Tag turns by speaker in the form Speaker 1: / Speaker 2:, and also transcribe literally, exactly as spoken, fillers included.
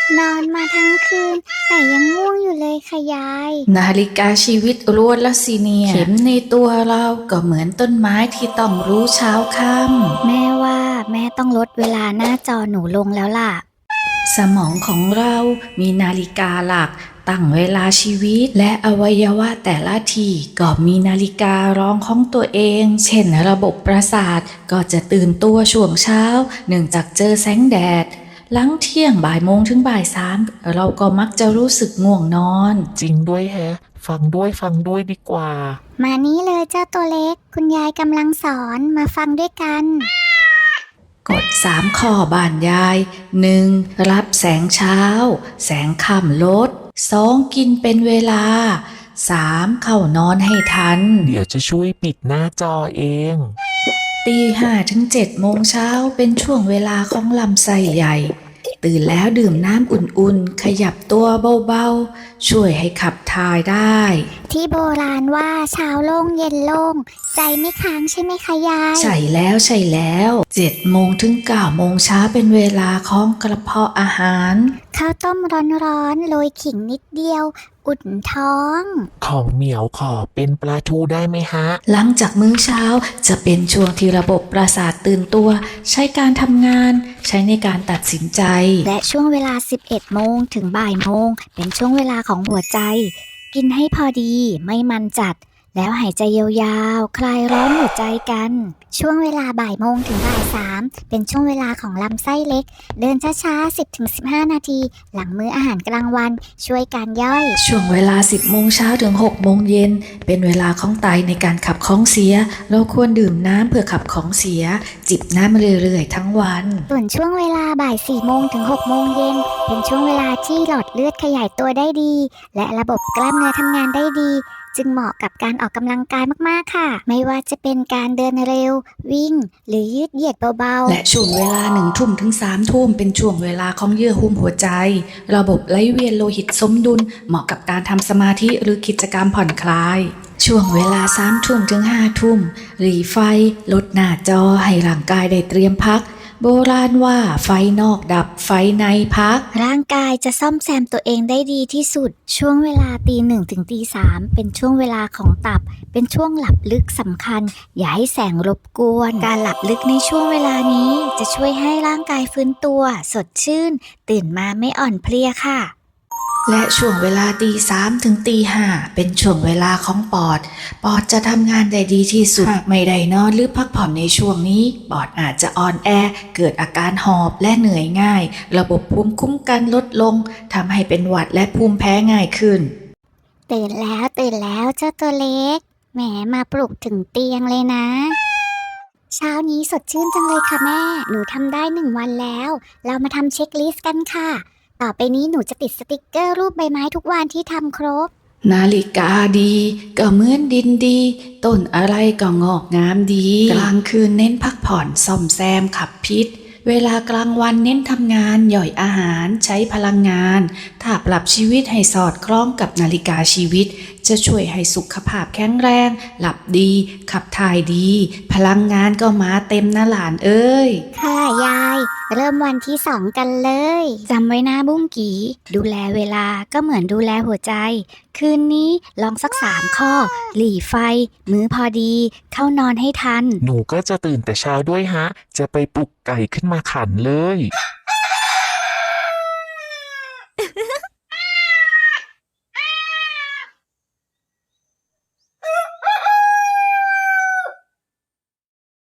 Speaker 1: นอนมาทั้งคืนแต่ยังง่วงอยู่เลยค่ะยาย
Speaker 2: นาฬิกาชีวิตรวนละสิเนี่ยเข็มในตัวเราก็เหมือนต้นไม้ที่ต้องรู้เช้าค่
Speaker 1: แม่ว่าแม่ต้องลดเวลาหน้าจอหนูลงแล้วล่ะ
Speaker 2: ำสมองของเรามีนาฬิกาหลักตั้งเวลาชีวิตและอวัยวะแต่ละที่ก็มีนาฬิการ้องของตัวเองเช่นระบบประสาทก็จะตื่นตัวช่วงเช้าเนื่องจากเจอแสงแดดหลังเที่ยงบ่ายโมงถึงบ่ายสามเราก็มักจะรู้สึกง่วงนอน
Speaker 3: จริงด้วยแฮะฟังด้วยฟังด้วยดีกว่า
Speaker 1: มานี้เลยเจ้าตัวเล็กคุณยายกำลังสอนมาฟังด้วยกัน
Speaker 2: กฎสามข้อบ้านยาย หนึ่ง. รับแสงเช้าแสงค่ำลด สอง. กินเป็นเวลา สาม. เข้านอนให้ทัน
Speaker 3: เดี๋ยวจะช่วยปิดหน้าจอเอง
Speaker 2: ตีห้าถึงเจ็ดโมงเช้าเป็นช่วงเวลาของลำไส้ใหญ่ตื่นแล้วดื่มน้ำอุ่นๆขยับตัวเบาๆช่วยให้ขับถ่ายได้
Speaker 1: ที่โบราณว่าเช้าโล่งเย็นโล่งใจไม่ค้างใช่ไหมคะยาย
Speaker 2: ใช่แล้วใช่แล้วเจ็ดโมงถึงเก้าโมงเช้าเป็นเวลาของกระเพาะอาหาร
Speaker 1: ข้าวต้มร้อนๆโรยขิงนิดเดียวอุ่นท้อง
Speaker 3: ของเหมียวขอเป็นปลาทูได้ไหมฮะ
Speaker 2: หลังจากมื้อเช้าจะเป็นช่วงที่ระบบประสาทตื่นตัวใช้การทำงานใช้ในการตัดสินใจ
Speaker 1: และช่วงเวลาสิบเอ็ดโมงถึงบ่ายโมงเป็นช่วงเวลาของหัวใจกินให้พอดีไม่มันจัดแล้วหายใจยาวๆคลายร้อนหัวใจกันช่วงเวลาบ่ายโมงถึงบ่ายสามเป็นช่วงเวลาของลำไส้เล็กเดินช้าๆ สิบถึงสิบห้า นาทีหลังมื้ออาหารกลางวันช่วยการย่อย
Speaker 2: ช่วงเวลาสิบโมงเช้าถึงหกโมงเย็นเป็นเวลาของไตในการขับของเสียเราควรดื่มน้ำเพื่อขับของเสียจิบน้ำเรื่อยๆทั้งวัน
Speaker 1: ส่วนช่วงเวลาบ่ายสี่โมงถึงหกโมงเย็นเป็นช่วงเวลาที่หลอดเลือดขยายตัวได้ดีและระบบกล้ามเนื้อทำงานได้ดีจึงเหมาะกับการออกกำลังกายมากๆค่ะไม่ว่าจะเป็นการเดินเร็ววิ่งหรือยืดเหยียดเบา
Speaker 2: ๆและช่วงเวลาหนึ่งทุ่มถึงสามทุ่มเป็นช่วงเวลาของเยื่อหุ้มหัวใจระบบไหลเวียนโลหิตสมดุลเหมาะกับการทำสมาธิหรือกิจกรรมผ่อนคลายช่วงเวลาสามทุ่มถึงห้าทุ่มหรี่ไฟลดหน้าจอให้ร่างกายได้เตรียมพักโบราณว่าไฟนอกดับไฟในพัก
Speaker 1: ร่างกายจะซ่อมแซมตัวเองได้ดีที่สุดช่วงเวลาตีหนึ่งถึงตีสามเป็นช่วงเวลาของตับเป็นช่วงหลับลึกสำคัญอย่าให้แสงรบกวนการหลับลึกในช่วงเวลานี้จะช่วยให้ร่างกายฟื้นตัวสดชื่นตื่นมาไม่อ่อนเพลียค่ะ
Speaker 2: และช่วงเวลาตีสามถึงตีห้าเป็นช่วงเวลาของปอดปอดจะทำงานได้ดีที่สุดไม่ได้นอนหรือพักผ่อนในช่วงนี้ปอดอาจจะอ่อนแอเกิดอาการหอบและเหนื่อยง่ายระบบภูมิคุ้มกันลดลงทำให้เป็นหวัดและภูมิแพ้ง่ายขึ้น
Speaker 1: ตื่นแล้วตื่นแล้วเจ้าตัวเล็กแหมมาปลุกถึงเตียงเลยนะเช้านี้สดชื่นจังเลยค่ะแม่หนูทำได้หนึ่งวันแล้วเรามาทำเช็คลิสต์กันค่ะต่อไปนี้หนูจะติดสติกเกอร์รูปใบไม้ทุกวันที่ทำครบ
Speaker 2: นาฬิกาดีก็เหมือนดินดีต้นอะไรก็งอกงามดีกลางคืนเน้นพักผ่อนซ่อมแซมขับพิษเวลากลางวันเน้นทำงานย่อยอาหารใช้พลังงานถ้าปรับชีวิตให้สอดคล้องกับนาฬิกาชีวิตจะช่วยให้สุขภาพแข็งแรงหลับดีขับถ่ายดีพลังงานก็มาเต็มนะหลานเอ้ย
Speaker 1: ค่ะยายเริ่มวันที่สองกันเลยจำไว้นะบุ้งกีดูแลเวลาก็เหมือนดูแลหัวใจคืนนี้ลองสักสามข้อหลีไฟมื้อพอดีเข้านอนให้ทัน
Speaker 3: หนูก็จะตื่นแต่เช้าด้วยฮะจะไปปลุกไก่ขึ้นมาขันเลย